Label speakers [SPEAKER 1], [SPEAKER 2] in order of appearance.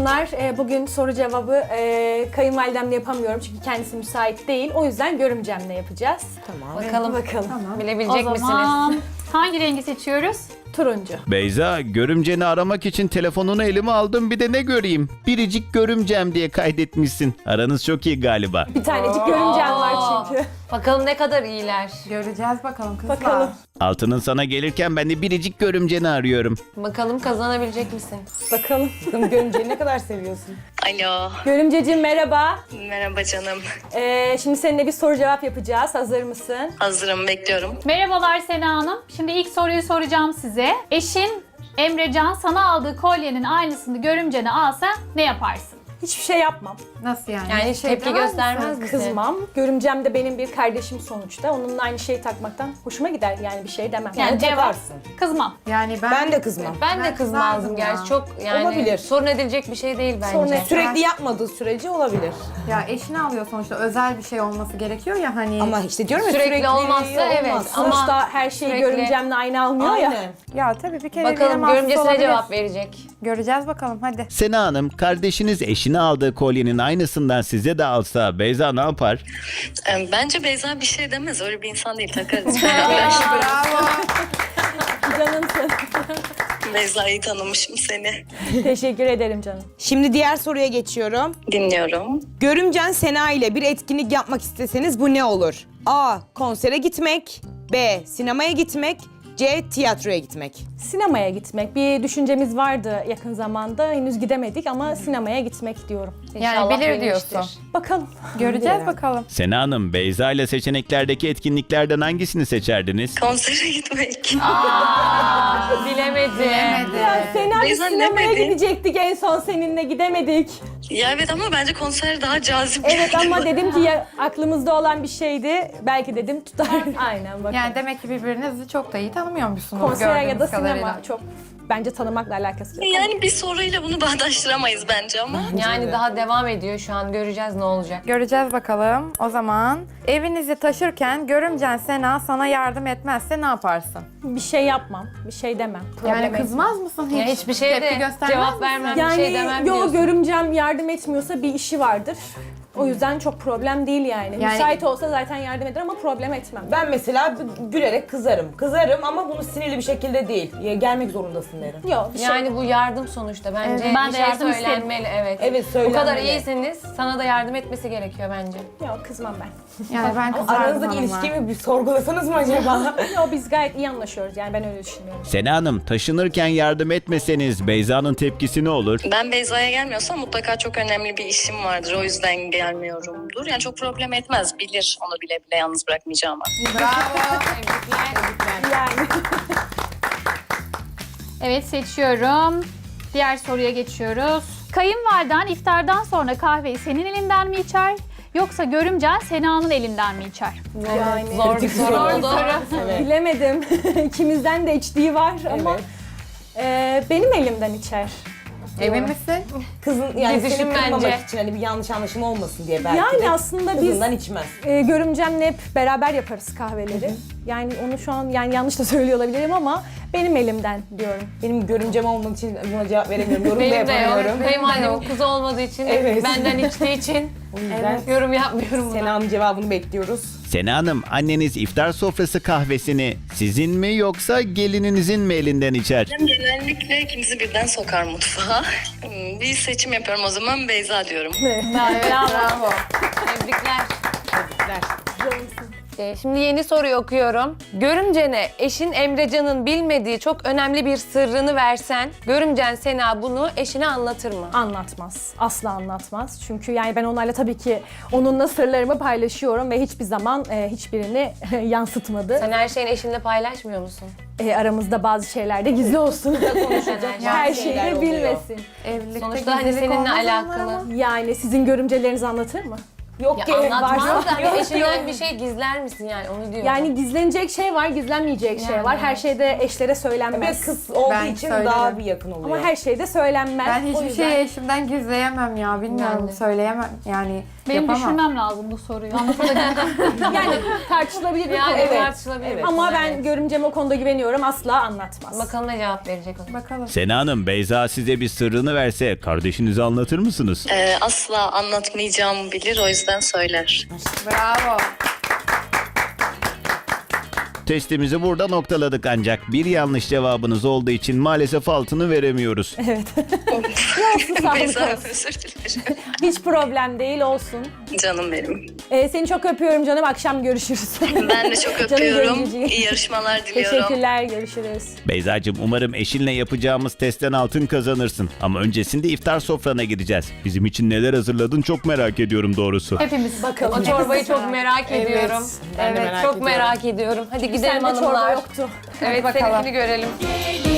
[SPEAKER 1] Hanımlar, bugün soru cevabı kayınvalidemle yapamıyorum çünkü kendisi müsait değil. O yüzden görümcemle yapacağız.
[SPEAKER 2] Tamam.
[SPEAKER 1] Bakalım.
[SPEAKER 2] Tamam.
[SPEAKER 3] Bilebilecek
[SPEAKER 4] O zaman
[SPEAKER 3] misiniz?
[SPEAKER 4] hangi rengi seçiyoruz?
[SPEAKER 1] Turuncu.
[SPEAKER 5] Beyza, görümceni aramak için telefonunu elime aldım, bir de ne göreyim? Biricik görümcem diye kaydetmişsin. Aranız çok iyi galiba.
[SPEAKER 1] Bir tanecik görümcem var çünkü.
[SPEAKER 3] Bakalım ne kadar iyiler.
[SPEAKER 2] Göreceğiz bakalım kızlar.
[SPEAKER 1] Bakalım.
[SPEAKER 5] Altının sana gelirken ben de biricik görümceni arıyorum.
[SPEAKER 3] Bakalım kazanabilecek misin?
[SPEAKER 1] Bakalım.
[SPEAKER 2] Görümceyi ne kadar seviyorsun?
[SPEAKER 6] Alo,
[SPEAKER 1] Görümceciğim merhaba.
[SPEAKER 6] merhaba canım.
[SPEAKER 1] Şimdi seninle bir soru cevap yapacağız. Hazır mısın?
[SPEAKER 6] Hazırım, bekliyorum.
[SPEAKER 4] Merhabalar Sena Hanım. Şimdi ilk soruyu soracağım size. Eşin Emrecan sana aldığı kolyenin aynısını görümcene alsa ne yaparsın?
[SPEAKER 1] Hiçbir şey yapmam.
[SPEAKER 2] Nasıl yani?
[SPEAKER 3] Yani
[SPEAKER 2] Bir şey
[SPEAKER 3] tepki
[SPEAKER 2] demez
[SPEAKER 3] göstermez
[SPEAKER 2] misin?
[SPEAKER 3] misin?
[SPEAKER 1] Kızmam. Görümcem de benim bir kardeşim sonuçta. Onunla aynı şeyi takmaktan hoşuma gider, yani bir şey demem.
[SPEAKER 4] Yani cevap
[SPEAKER 2] takarsın.
[SPEAKER 4] kızmam.
[SPEAKER 2] Yani
[SPEAKER 7] Ben de kızmam.
[SPEAKER 3] Ben de kızmazdım
[SPEAKER 2] kızardım ya.
[SPEAKER 3] gerçi. Çok yani
[SPEAKER 7] Olabilir.
[SPEAKER 3] sorun edilecek bir şey değil bence.
[SPEAKER 1] Sorun et-
[SPEAKER 7] Sürekli yapmadığı sürece olabilir.
[SPEAKER 2] Ya eşini alıyor sonuçta, özel bir şey olması gerekiyor ya hani.
[SPEAKER 7] Ama işte diyorum ya
[SPEAKER 3] Sürekli olmazsa evet.
[SPEAKER 7] olmaz.
[SPEAKER 3] Ama
[SPEAKER 1] Sonuçta her şeyi
[SPEAKER 3] sürekli-
[SPEAKER 1] görümcemle aynı almıyor ya.
[SPEAKER 7] Aynen.
[SPEAKER 2] Ya tabii bir kere
[SPEAKER 3] bakalım
[SPEAKER 2] birine mahsus
[SPEAKER 3] görümcesine
[SPEAKER 2] olabilir.
[SPEAKER 3] cevap verecek.
[SPEAKER 2] Göreceğiz bakalım hadi.
[SPEAKER 5] Sena Hanım, kardeşiniz eşine aldığı kolyenin aynısından size de alsa Beyza ne yapar?
[SPEAKER 6] Bence Beyza bir şey demez, öyle bir insan değil, takarız beraber.
[SPEAKER 2] Bravo.
[SPEAKER 1] Canımsın.
[SPEAKER 6] Beyza'yı tanımışım seni.
[SPEAKER 1] Teşekkür ederim canım.
[SPEAKER 7] Şimdi diğer soruya geçiyorum.
[SPEAKER 6] Dinliyorum.
[SPEAKER 7] Görümcen Sena ile bir etkinlik yapmak isteseniz bu ne olur? A. Konsere gitmek. B. Sinemaya gitmek. C. Tiyatroya gitmek.
[SPEAKER 1] Sinemaya gitmek. Bir düşüncemiz vardı yakın zamanda. Henüz gidemedik ama sinemaya gitmek diyorum.
[SPEAKER 2] Yani
[SPEAKER 3] İnşallah
[SPEAKER 2] bilir
[SPEAKER 3] bilmiştir.
[SPEAKER 2] diyorsun.
[SPEAKER 1] Bakalım.
[SPEAKER 2] Göreceğiz bakalım.
[SPEAKER 5] Sena Hanım, Beyza ile seçeneklerdeki etkinliklerden hangisini seçerdiniz?
[SPEAKER 6] Konsere gitmek.
[SPEAKER 3] Bilemedi.
[SPEAKER 1] Ya Sena biz
[SPEAKER 6] Beyza
[SPEAKER 1] sinemaya
[SPEAKER 6] demedi.
[SPEAKER 1] gidecektik en son seninle, gidemedik.
[SPEAKER 6] Ya evet, ama bence konser daha cazip.
[SPEAKER 1] Evet
[SPEAKER 6] geldi
[SPEAKER 1] ama
[SPEAKER 6] bana.
[SPEAKER 1] dedim ki ya aklımızda olan bir şeydi. Belki dedim tutar. Aynen bakalım.
[SPEAKER 2] Yani demek ki birbirinizi çok da iyi tanımıyormuşsunuz
[SPEAKER 1] Konser ya da
[SPEAKER 2] gördüğümüz
[SPEAKER 1] sinema
[SPEAKER 2] kadarıyla.
[SPEAKER 1] çok bence tanımakla alakası yok.
[SPEAKER 6] Yani bir soruyla bunu bağdaştıramayız bence ama.
[SPEAKER 3] Yani daha devam ediyor şu an. Göreceğiz ne olacak.
[SPEAKER 2] Göreceğiz bakalım. O zaman evinizi taşırken görümcen Sena sana yardım etmezse ne yaparsın?
[SPEAKER 1] Bir şey yapmam, bir şey demem. Problem
[SPEAKER 2] Yani
[SPEAKER 1] etmem.
[SPEAKER 2] kızmaz mısın hiç?
[SPEAKER 3] Ya hiçbir şeye
[SPEAKER 2] Tepki
[SPEAKER 3] de
[SPEAKER 2] göstermez
[SPEAKER 3] cevap
[SPEAKER 2] misin?
[SPEAKER 3] vermem,
[SPEAKER 1] Yani
[SPEAKER 3] bir şey demem
[SPEAKER 1] yo,
[SPEAKER 3] diyorsun.
[SPEAKER 1] görümcem yardım etmiyorsa bir işi vardır. O yüzden çok problem değil yani.
[SPEAKER 2] Yani-
[SPEAKER 1] Müsait olsa zaten yardım eder ama problem etmem.
[SPEAKER 7] Ben mesela gülerek kızarım. Kızarım ama bunu sinirli bir şekilde değil. Ya, gelmek zorundasın derim.
[SPEAKER 1] Yok bir şey.
[SPEAKER 3] Yani bu yardım sonuçta. Bence
[SPEAKER 4] Evet, ben
[SPEAKER 3] bir
[SPEAKER 4] de
[SPEAKER 3] şey
[SPEAKER 4] yardım isterim.
[SPEAKER 3] söylenmeli. Evet.
[SPEAKER 7] Evet,
[SPEAKER 3] Bu kadar
[SPEAKER 7] söylenmeli.
[SPEAKER 3] iyisiniz. Sana da yardım etmesi gerekiyor bence.
[SPEAKER 1] Yok kızmam ben.
[SPEAKER 2] Yani ben kızardım
[SPEAKER 7] Aranızdaki
[SPEAKER 2] hanımlar.
[SPEAKER 7] ilişkiyi bir sorgulasanız mı acaba?
[SPEAKER 1] Yo biz gayet iyi anlaşıyoruz yani ben öyle düşünüyorum.
[SPEAKER 5] Sena Hanım, taşınırken yardım etmeseniz Beyza'nın tepkisi ne olur?
[SPEAKER 6] Ben Beyza'ya gelmiyorsam mutlaka çok önemli bir işim vardır. O yüzden gelmiyorumdur. Yani çok problem etmez. Bilir onu bile bile yalnız bırakmayacağımı.
[SPEAKER 2] Bravo.
[SPEAKER 1] Yani
[SPEAKER 4] Evet seçiyorum. Diğer soruya geçiyoruz. Kayınvaliden iftardan sonra kahveyi senin elinden mi içer? Yoksa görümcen Sena'nın elinden mi içer?
[SPEAKER 1] yani
[SPEAKER 3] Zor bir soru oldu.
[SPEAKER 1] bilemedim. İkimizden de içtiği var ama benim elimden içer.
[SPEAKER 2] Emin misin?
[SPEAKER 7] Kızın yani
[SPEAKER 3] Bir
[SPEAKER 7] seni
[SPEAKER 3] düşün
[SPEAKER 7] kırmamak
[SPEAKER 3] bence.
[SPEAKER 7] için hani bir yanlış anlaşılma olmasın diye belki
[SPEAKER 1] Yani
[SPEAKER 7] de
[SPEAKER 1] aslında biz
[SPEAKER 7] kızından içmez.
[SPEAKER 1] görümcemle hep beraber yaparız kahveleri. Yani onu şu an yani yanlış da söylüyor olabilirim ama benim elimden diyorum.
[SPEAKER 7] Benim görümcem olmadığı için buna cevap veremiyorum. Yorum da
[SPEAKER 3] Benim de
[SPEAKER 7] yapamıyorum.
[SPEAKER 3] yok. Kayınvalidem kuzu olmadığı için,
[SPEAKER 7] Evet.
[SPEAKER 3] benden içtiği için
[SPEAKER 7] O yüzden
[SPEAKER 3] yorum yapmıyorum buna.
[SPEAKER 7] Sena'nın cevabını bekliyoruz.
[SPEAKER 5] Sena Hanım, anneniz iftar sofrası kahvesini sizin mi yoksa gelininizin mi elinden içer?
[SPEAKER 6] Genellikle ikimizi birden sokar mutfağa. Bir seçim yapıyorum o zaman, Beyza diyorum.
[SPEAKER 3] Bravo. Tebrikler. Şimdi yeni soruyu okuyorum. Görümcene eşin Emrecan'ın bilmediği çok önemli bir sırrını versen, görümcen Sena bunu eşine anlatır mı?
[SPEAKER 1] Anlatmaz. Asla anlatmaz. Çünkü yani ben onlarla tabii ki onunla sırlarımı paylaşıyorum ve hiçbir zaman hiçbirini yansıtmadı.
[SPEAKER 3] Sen her şeyini eşinle paylaşmıyor musun?
[SPEAKER 1] Aramızda bazı şeyler de gizli olsun. Her şeyi
[SPEAKER 7] şeyler
[SPEAKER 1] de
[SPEAKER 7] oluyor.
[SPEAKER 1] bilmesin.
[SPEAKER 2] Evlilikte
[SPEAKER 3] Sonuçta hani
[SPEAKER 2] gizlilik
[SPEAKER 3] seninle
[SPEAKER 2] olmaz onlar
[SPEAKER 3] alakalı.
[SPEAKER 2] ama.
[SPEAKER 1] Yani sizin görümceleriniz anlatır mı? Yok
[SPEAKER 3] Ya
[SPEAKER 1] ki
[SPEAKER 3] anlatmaz
[SPEAKER 1] varsa.
[SPEAKER 3] da hani eşinden bir şey gizler misin yani onu diyorum.
[SPEAKER 1] Yani gizlenecek şey var, gizlenmeyecek şey var. Her şeyde eşlere
[SPEAKER 7] Bir
[SPEAKER 1] söylenmez.
[SPEAKER 7] kız olduğu
[SPEAKER 2] Ben
[SPEAKER 7] için
[SPEAKER 2] söylerim.
[SPEAKER 7] daha bir yakın oluyor.
[SPEAKER 1] Ama her şeyde söylenmez.
[SPEAKER 2] Ben
[SPEAKER 1] O
[SPEAKER 2] hiçbir
[SPEAKER 1] yüzden-
[SPEAKER 2] şeyi eşimden gizleyemem ya. Bilmiyorum,
[SPEAKER 3] Ben de.
[SPEAKER 2] söyleyemem. Yani
[SPEAKER 4] Benim
[SPEAKER 2] yapamam.
[SPEAKER 4] düşünmem lazım bu soruyu. Anlatabilirim.
[SPEAKER 1] Yani tartışılabilir bir
[SPEAKER 3] yani
[SPEAKER 1] konu. Evet.
[SPEAKER 3] tartışılabilir.
[SPEAKER 1] Evet.
[SPEAKER 3] bir
[SPEAKER 1] Ama
[SPEAKER 3] konu,
[SPEAKER 1] ben
[SPEAKER 3] evet.
[SPEAKER 1] görümceme o konuda güveniyorum. Asla anlatmaz.
[SPEAKER 3] Bakalım ne cevap verecek o.
[SPEAKER 2] Bakalım.
[SPEAKER 5] Sena Hanım, Beyza size bir sırrını verse kardeşinize anlatır mısınız?
[SPEAKER 6] Asla anlatmayacağımı bilir, o yüzden söyler.
[SPEAKER 2] Bravo.
[SPEAKER 5] Testimizi burada noktaladık ancak bir yanlış cevabınız olduğu için maalesef altını veremiyoruz.
[SPEAKER 1] Sağlık
[SPEAKER 6] Beyza,
[SPEAKER 1] olsun.
[SPEAKER 6] özür dilerim.
[SPEAKER 1] Hiç problem değil, olsun.
[SPEAKER 6] Canım benim.
[SPEAKER 1] Seni çok öpüyorum canım. Akşam görüşürüz.
[SPEAKER 6] Ben de çok
[SPEAKER 1] Canım
[SPEAKER 6] öpüyorum.
[SPEAKER 1] görücüyüm.
[SPEAKER 6] İyi yarışmalar diliyorum.
[SPEAKER 1] Teşekkürler, görüşürüz.
[SPEAKER 5] Beyzacığım, umarım eşinle yapacağımız testten altın kazanırsın. Ama öncesinde iftar sofrana gideceğiz. Bizim için neler hazırladın çok merak ediyorum doğrusu.
[SPEAKER 4] Hepimiz
[SPEAKER 1] Bakalım.
[SPEAKER 3] O çorbayı çok merak ediyorum.
[SPEAKER 7] Ben de
[SPEAKER 3] Evet,
[SPEAKER 7] merak
[SPEAKER 3] çok
[SPEAKER 7] ediyorum.
[SPEAKER 3] merak ediyorum. Hadi gidelim
[SPEAKER 1] Sende çorba
[SPEAKER 3] hanımlar.
[SPEAKER 1] yoktu.
[SPEAKER 3] Evet,
[SPEAKER 2] bakalım.
[SPEAKER 3] seninkini görelim.